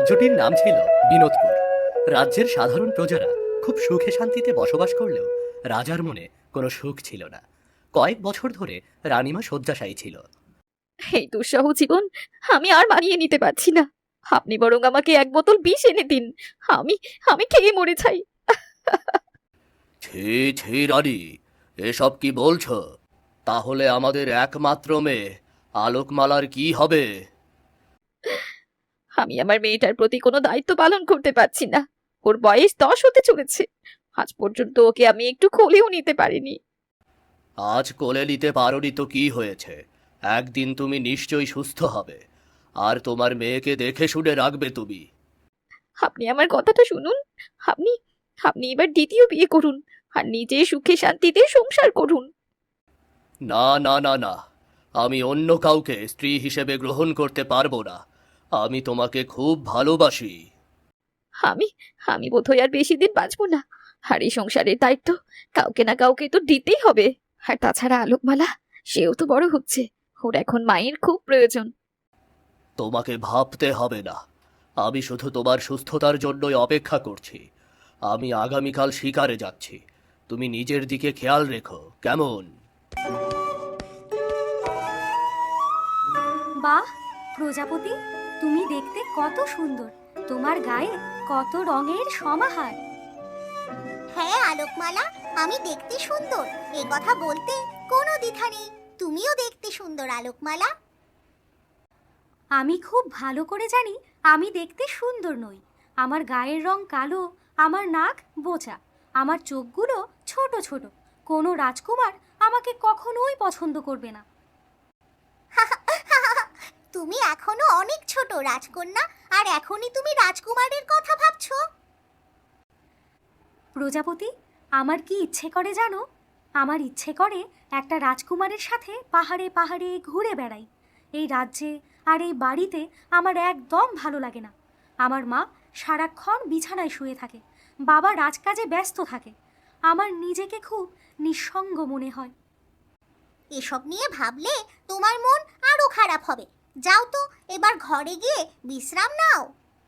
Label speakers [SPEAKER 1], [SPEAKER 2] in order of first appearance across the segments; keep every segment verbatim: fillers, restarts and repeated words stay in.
[SPEAKER 1] রাজ্যটির নাম ছিল বিনোদপুর। রাজ্যের সাধারণ প্রজারা খুব সুখে শান্তিতে বসবাস করলেও রাজার মনে কোনো সুখ ছিল না। কয়েক বছর ধরে রানীমা শয্যাশায়ী ছিল।
[SPEAKER 2] এই দুঃসহ জীবন আমি আর মানিয়ে নিতে পারছি না। আপনি বরং আমাকে এক বোতল বিষ এনে দিন। আমি আমি খেয়ে মরে চাই।
[SPEAKER 1] ছি ছি রানী, এসব কি বলছো? তাহলে আমাদের একমাত্র মেয়ে আলোকমালার কি হবে?
[SPEAKER 2] আমি আমার মেয়েটার প্রতি কোনো দায়িত্ব পালন করতে পারছি না। ওর বয়স দশ হতে চলেছে। আজ পর্যন্ত ওকে আমি একটু কোলেও নিতে পারিনি।
[SPEAKER 1] আজ কোলে নিতে পারোনি তো কি হয়েছে? একদিন তুমি নিশ্চয়ই সুস্থ হবে, আর তোমার মেয়েকে দেখে শুনে রাখবে তুমি।
[SPEAKER 2] আপনি আমার কথাটা শুনুন। আপনি আপনি এবার দ্বিতীয় বিয়ে করুন আর নিজে সুখে শান্তিতে সংসার করুন।
[SPEAKER 1] না না না না, আমি অন্য কাউকে স্ত্রী হিসেবে গ্রহণ করতে পারবো না। আমি তোমাকে খুব ভালোবাসি।
[SPEAKER 2] আমি আমি বোধহয় আর বেশি দিন বাঁচবো না। আর এই সংসারের দায়িত্ব কাউকে না কাউকে তো দিতেই হবে। আর তাছাড়া আলোকমালা, সেও তো বড় হচ্ছে। ওর এখন মায়ের খুব প্রয়োজন।
[SPEAKER 1] তোমাকে ভাবতে হবে না, আমি শুধু তোমার সুস্থতার জন্যই অপেক্ষা করছি। আমি আগামীকাল শিকারে যাচ্ছি, তুমি নিজের দিকে খেয়াল রেখো, কেমন?
[SPEAKER 3] বাহ, প্রজাপতি, তুমি দেখতে কত সুন্দর। তোমার গায়ে কত রঙের সমাহার।
[SPEAKER 4] হ্যাঁ আলোকমালা, আমি দেখতে সুন্দর, এ কথা বলতে কোনো দ্বিধা নেই। তুমিও দেখতে সুন্দর আলোকমালা।
[SPEAKER 3] আমি খুব ভালো করে জানি আমি দেখতে সুন্দর নই। আমার গায়ের রং কালো, আমার নাক বোচা, আমার চোখগুলো ছোট ছোট। কোনো রাজকুমার আমাকে কখনোই পছন্দ করবে না।
[SPEAKER 4] তুমি এখনো অনেক ছোট রাজকন্যা, আর এখনই তুমি রাজকুমারের কথা ভাবছো?
[SPEAKER 3] প্রজাপতি, আমার কি ইচ্ছে করে জানো? আমার ইচ্ছে করে একটা রাজকুমারের সাথে পাহাড়ে পাহাড়ে ঘুরে বেড়াই। এই রাজ্যে আর এই বাড়িতে আমার একদম ভালো লাগে না। আমার মা সারাক্ষণ বিছানায় শুয়ে থাকে, বাবা রাজকাজে ব্যস্ত থাকে। আমার নিজেকে খুব নিঃসঙ্গ মনে হয়।
[SPEAKER 4] এসব নিয়ে ভাবলে তোমার মন আরো খারাপ হবে। যাও তো, এবার ঘরে গিয়ে বিশ্রাম নাও।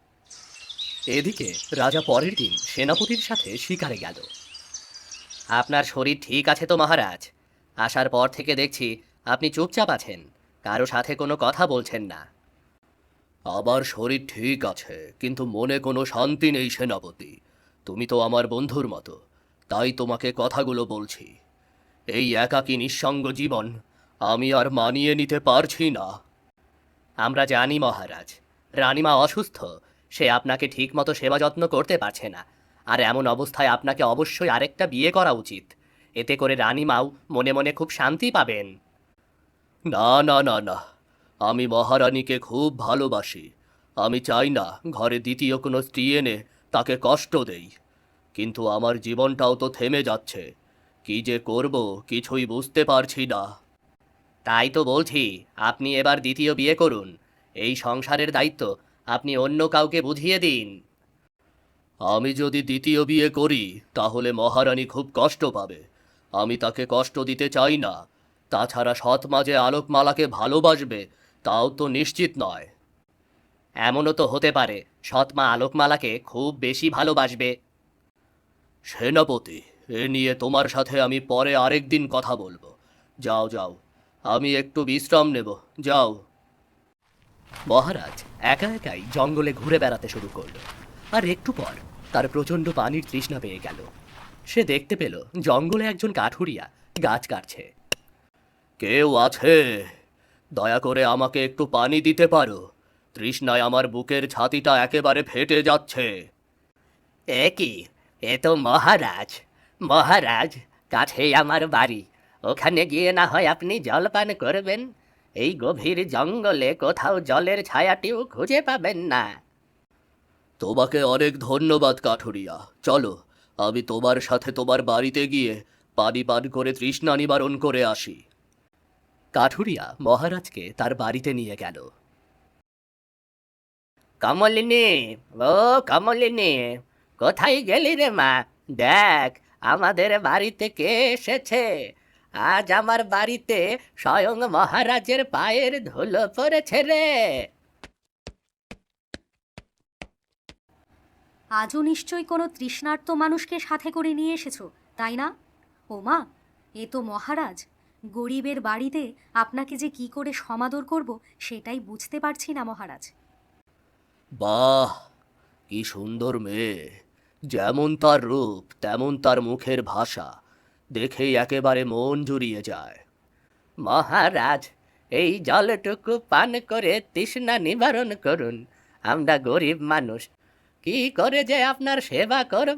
[SPEAKER 1] এদিকে রাজা পরের দিন সেনাপতির সাথে শিকারে গেল। আপনার শরীর ঠিক আছে তো মহারাজ? আসার পর থেকে দেখছি আপনি চুপচাপ আছেন, কারো সাথে কোনো কথা বলছেন না। আবার শরীর ঠিক আছে, কিন্তু মনে কোনো শান্তি নেই সেনাপতি। তুমি তো আমার বন্ধুর মতো, তাই তোমাকে কথাগুলো বলছি। এই একাকী নিঃসঙ্গ জীবন আমি আর মানিয়ে নিতে পারছি না। আমরা জানি মহারাজ, রানীমা অসুস্থ, সে আপনাকে ঠিকমতো সেবা যত্ন করতে পারছে না। আর এমন অবস্থায় আপনাকে অবশ্যই আরেকটা বিয়ে করা উচিত। এতে করে রানীমাও মনে মনে খুব শান্তি পাবেন। না না না না, আমি মহারানীকে খুব ভালোবাসি। আমি চাই না ঘরে দ্বিতীয় কোনো স্ত্রী এনে তাকে কষ্ট দেই। কিন্তু আমার জীবনটাও তো থেমে যাচ্ছে, কি যে করব কিছুই বুঝতে পারছি না। তাই তো বলছি, আপনি এবার দ্বিতীয় বিয়ে করুন। এই সংসারের দায়িত্ব আপনি অন্য কাউকে বুঝিয়ে দিন। আমি যদি দ্বিতীয় বিয়ে করি তাহলে মহারানী খুব কষ্ট পাবে। আমি তাকে কষ্ট দিতে চাই না। তাছাড়া সৎ মা যে আলোকমালাকে ভালোবাসবে তাও তো নিশ্চিত নয়। এমনও তো হতে পারে সৎ মা আলোকমালাকে খুব বেশি ভালোবাসবে। সেনাপতি, এ নিয়ে তোমার সাথে আমি পরে আরেক দিন কথা বলবো। যাও যাও, আমি একটু বিশ্রাম নেব, যাও। মহারাজ একা একাই জঙ্গলে ঘুরে বেড়াতে শুরু করলো। আর একটু পর তার প্রচণ্ড পানির তৃষ্ণা পেয়ে গেল। সে দেখতে পেল জঙ্গলে একজন কাঠুরিয়া গাছ কাটছে। কেউ আছে? দয়া করে আমাকে একটু পানি দিতে পারো? তৃষ্ণায় আমার বুকের ছাতিটা একেবারে ফেটে যাচ্ছে। এ কি, এ তো মহারাজ। মহারাজ, কাছেই আমার বাড়ি, ওখানে গিয়ে না হয় আপনি জলপান করবেন। এই গভীর জঙ্গলে কোথাও জলের ছায়াটিও খুঁজে পাবেন না। তোমাকে অনেক ধন্যবাদ কাঠুরিয়া। চলো, আমি তোমার সাথে তোমার বাড়িতে গিয়ে পানি পান করে তৃষ্ণা নিবারণ করে আসি। কাঠুরিয়া মহারাজকে তার বাড়িতে নিয়ে গেল। কমলিনী, ও কমলিনী, কোথায় গেলি রে মা? দেখ, আমাদের বাড়িতে কে এসেছে। আজ আমার বাড়িতে স্বয়ং মহারাজের পায়ের ধুলো পড়েছে রে।
[SPEAKER 3] আজও নিশ্চয়ই কোনো তৃষ্ণার্ত মানুষকে সাথে করে নিয়ে এসেছো, তাই না? ও মা, এ তো মহারাজ। গরিবের বাড়িতে আপনাকে যে কি করে সমাদর করব সেটাই বুঝতে পারছি না মহারাজ।
[SPEAKER 1] বাহ, কি সুন্দর মেয়ে! যেমন তার রূপ তেমন তার মুখের ভাষা, দেখেই একেবারে মন জুড়িয়ে যায়। মহারাজ, এই জলটুকু পান করে তৃষ্ণা নিবারণ করুন। আমরা গরিব মানুষ, কি করে যে আপনার সেবা করব।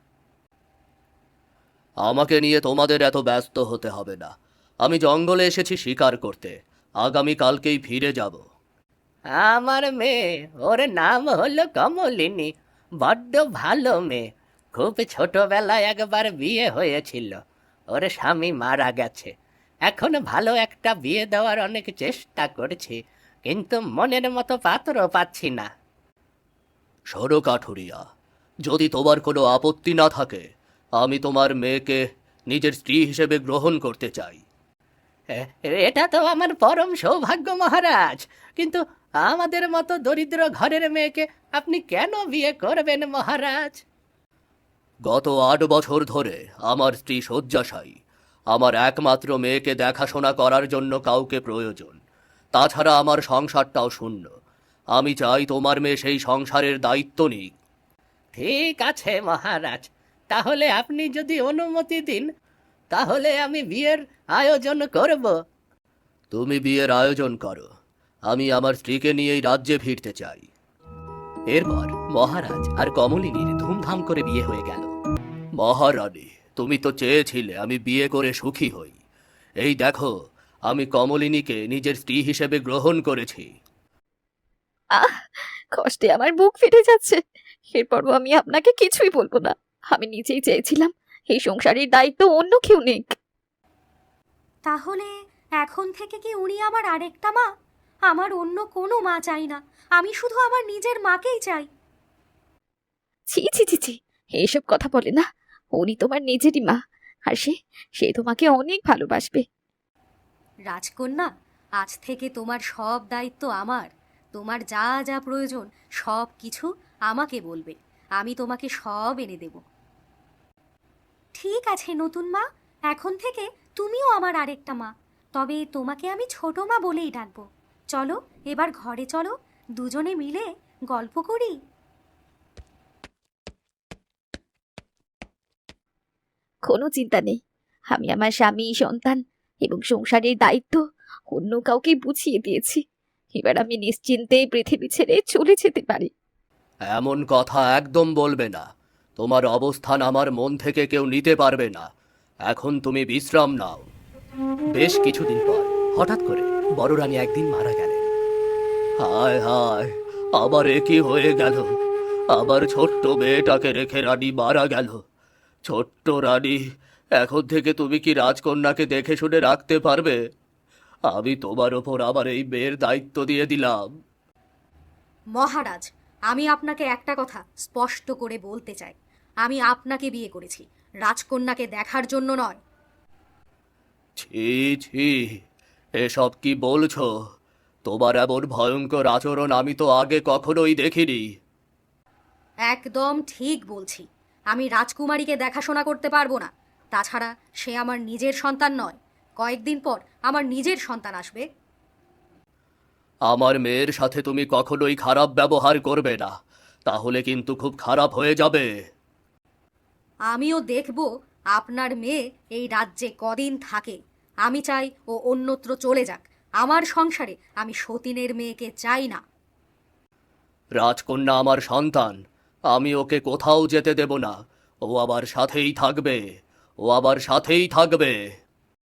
[SPEAKER 1] আমাকে নিয়ে তোমাদের এত ব্যস্ত হতে হবে না। আমি জঙ্গলে এসেছি শিকার করতে, আগামী কালকেই ফিরে যাব। আমার মেয়ে, ওর নাম হলো কমলিনী। বড্ড ভালো মেয়ে। খুব ছোটবেলায় একবার বিয়ে হয়েছিল, ওর স্বামী মারা গেছে। এখন ভালো একটা বিয়ে দেওয়ার অনেক চেষ্টা করছি, কিন্তু মনের মতো পাত্র পাচ্ছি না। শোনো কাঠুরিয়া, যদি তোমার কোনো আপত্তি না থাকে, আমি তোমার মেয়েকে নিজের স্ত্রী হিসেবে গ্রহণ করতে চাই। এটা তো আমার পরম সৌভাগ্য মহারাজ, কিন্তু আমাদের মতো দরিদ্র ঘরের মেয়েকে আপনি কেন বিয়ে করবেন মহারাজ? গত আট বছর ধরে আমার স্ত্রী শয্যাশায়ী। আমার একমাত্র মেয়েকে দেখাশোনা করার জন্য কাউকে প্রয়োজন। তাছাড়া আমার সংসারটাও শূন্য। আমি চাই তোমার মেয়ে সেই সংসারের দায়িত্ব নিক। ঠিক আছে মহারাজ, তাহলে আপনি যদি অনুমতি দিন, তাহলে আমি বিয়ের আয়োজন করব। তুমি বিয়ের আয়োজন করো, আমি আমার স্ত্রীকে নিয়েই রাজ্যে ফিরতে চাই। এরপর মহারাজ আর কমলিনীর ধুমধাম করে বিয়ে হয়ে গেল। মহারানী, তুমি তো চেয়েছিলে আমি বিয়ে করে সুখী হই। এই দেখো, আমি কমলিনীকে নিজের স্ত্রী হিসেবে গ্রহণ করেছি।
[SPEAKER 2] আহ, কষ্টে আমার বুক ফেটে যাচ্ছে। এরপরও আমি আপনাকে কিছুই বলবো না। আমি নিজেই চেয়েছিলাম এই সংসারের দায়িত্ব অন্য কেউ নিক।
[SPEAKER 3] তাহলে এখন থেকে কি উনি আমার আরেকটা মা? আমার অন্য কোনো মা চাই না, আমি শুধু আমার নিজের মাকেই চাই।
[SPEAKER 2] ছি ছি ছি ছি, এইসব কথা বলে না। উনি তোমার নিজেরই মা, আর সে সে তোমাকে অনেক ভালোবাসবে।
[SPEAKER 3] রাজকন্যা, আজ থেকে তোমার সব দায়িত্ব আমার। তোমার যা যা প্রয়োজন সব কিছু আমাকে বলবে, আমি তোমাকে সব এনে দেব। ঠিক আছে নতুন মা, এখন থেকে তুমিও আমার আরেকটা মা। তবে তোমাকে আমি ছোট মা বলেই ডাকবো। চলো এবার ঘরে চলো, দুজনে মিলে গল্প করি।
[SPEAKER 2] কোনো চিন্তা নেই, আমি আমার স্বামী, সন্তান এবং সংসারের দায়িত্ব অন্য কাউকে বুঝিয়ে দিয়েছি। এবার আমি নিশ্চিন্তে পৃথিবী ছেড়ে চলে যেতে পারি।
[SPEAKER 1] এমন কথা একদম বলবে না। তোমার অবস্থান আমার মন থেকে কেউ নিতে পারবে না। এখন তুমি বিশ্রাম নাও। বেশ কিছুদিন পর হঠাৎ করে বড় রানী একদিন মারা গেলেন। হায় হায়, আবার এ কি হয়ে গেল? আবার ছোট্ট মেয়েটাকে রেখে রানী মারা গেল। ছোট্ট রানী, এখন থেকে তুমি কি রাজকন্যাকে দেখে শুনে রাখতে পারবে? আমি তোমার ওপর আবার এই মেয়ের দায়িত্ব দিয়ে দিলাম।
[SPEAKER 3] মহারাজ, আমি আপনাকে একটা কথা স্পষ্ট করে বলতে চাই। আমি আপনাকে বিয়ে করেছি, রাজকন্যাকে দেখার জন্য নয়।
[SPEAKER 1] ছি ছি, এসব কি বলছো? তোমার এমন ভয়ঙ্কর আচরণ আমি তো আগে কখনোই দেখিনি।
[SPEAKER 3] একদম ঠিক বলছি। আমি রাজকুমারীকে দেখাশোনা করতে পারবো না। তাছাড়া সে আমার নিজের সন্তান নয়। কয়েকদিন পর আমার নিজের সন্তান আসবে।
[SPEAKER 1] আমার মেয়ের সাথে তুমি কখনোই খারাপ ব্যবহার করবে না, তাহলে কিন্তু খুব খারাপ হয়ে যাবে।
[SPEAKER 3] আমিও দেখব আপনার মেয়ে এই রাজ্যে কদিন থাকে। আমি চাই ও অন্যত্র চলে যাক। আমার সংসারে আমি সতীনের মেয়েকে চাই না।
[SPEAKER 1] রাজকন্যা আমার সন্তান, আমি ওকে কোথাও যেতে দেব না। ও আমার সাথেই থাকবে, ও আমার সাথেই থাকবে।